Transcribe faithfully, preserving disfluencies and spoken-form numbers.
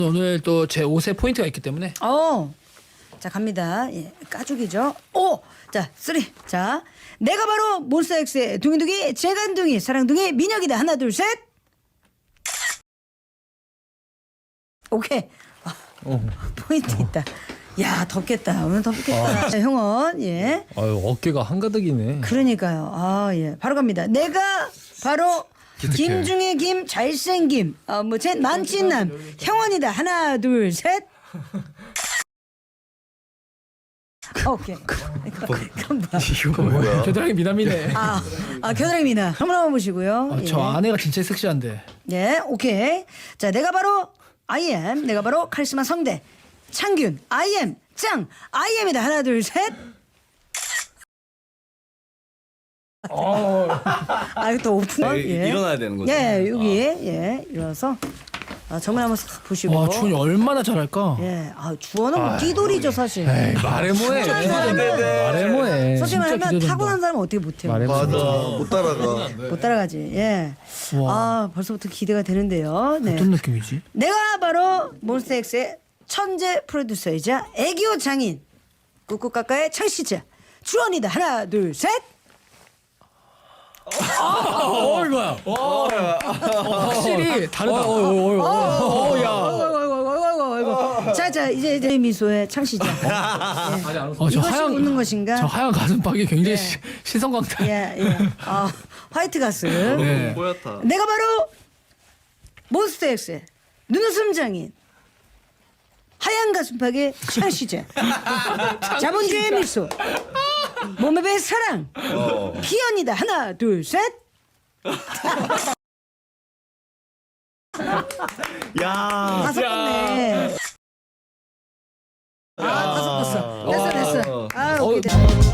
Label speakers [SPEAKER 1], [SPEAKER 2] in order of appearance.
[SPEAKER 1] 오늘 또 제 옷에 포인트가 있기 때문에.
[SPEAKER 2] 어. 자 갑니다. 예, 까죽이죠. 오. 자 쓰리. 자 내가 바로 몬스타엑스의 둥이둥이 재간둥이 사랑둥이 민혁이다. 하나 둘 셋. 오케이. 아,
[SPEAKER 3] 어.
[SPEAKER 2] 포인트 있다. 야 덥겠다. 오늘 덥겠다. 자, 형원 예.
[SPEAKER 3] 아유 어깨가 한가득이네.
[SPEAKER 2] 그러니까요. 아 예. 바로 갑니다. 내가 바로 김 중에 김 잘생김 어뭐제 만찢남 형원이다. 하나 둘 셋. 오케이. 그건 뭐야?
[SPEAKER 3] 이거 뭐야?
[SPEAKER 1] 겨드랑이 미남이네.
[SPEAKER 2] 아, 아 겨드랑이입니다. 한번 한번 보시고요.
[SPEAKER 1] 아, 저
[SPEAKER 2] 예.
[SPEAKER 1] 아내가 진짜 섹시한데.
[SPEAKER 2] 예, 오케이. 자, 내가 바로 아이엠, 내가 바로 카리스마 성대 창균, 아이엠 짱, 아이엠이다. 하나 둘 셋. 아, 이거 또 오픈.
[SPEAKER 4] 아, 이-
[SPEAKER 2] 예.
[SPEAKER 4] 일어나야 되는 거죠?
[SPEAKER 2] 예, 여기 예, 일어나서 아, 정면 한번 싹 보시고.
[SPEAKER 1] 와 주원이 얼마나 잘할까.
[SPEAKER 2] 예, 아 주원은 뭐 끼돌이죠 사실.
[SPEAKER 3] 에이 말해 뭐해. 말해 뭐해.
[SPEAKER 2] 솔직히 말하면
[SPEAKER 1] 기대된다.
[SPEAKER 2] 타고난 사람은 어떻게 못해요?
[SPEAKER 3] 말해
[SPEAKER 4] 맞아.
[SPEAKER 3] 뭐해.
[SPEAKER 4] 못 따라가.
[SPEAKER 2] 못 따라가지. 예.
[SPEAKER 1] 와.
[SPEAKER 2] 아 벌써부터 기대가 되는데요. 네.
[SPEAKER 1] 어떤 느낌이지?
[SPEAKER 2] 내가 바로 몬스타엑스의 천재 프로듀서이자 애교 장인 꾹꾹까까의 창시자 주원이다. 하나 둘 셋.
[SPEAKER 1] 어 이거야. 어, 확실히 다르다. 어, 어, 어, 어, 어, 야.
[SPEAKER 2] 어이구. 자자 이제 이제 미소의 창시자.
[SPEAKER 1] 어, 저
[SPEAKER 2] 이것이
[SPEAKER 1] 하얀
[SPEAKER 2] 웃는 것인가?
[SPEAKER 1] 저 하얀 가슴팍이 굉장히 시, 시선 강탈.
[SPEAKER 2] 예 예. 아 화이트 가슴.
[SPEAKER 1] 네.
[SPEAKER 4] 뽀얗다.
[SPEAKER 2] 내가 바로 몬스타엑스의 눈웃음 장인 하얀 가슴팍의 창시자 자본주의 미소 몸에 배 사랑
[SPEAKER 4] 어.
[SPEAKER 2] 피언이다. 하나 둘 셋.
[SPEAKER 4] 야.
[SPEAKER 2] 다섯 번네. 아 다섯 번어 됐어 됐어. 아 오케이 됐어.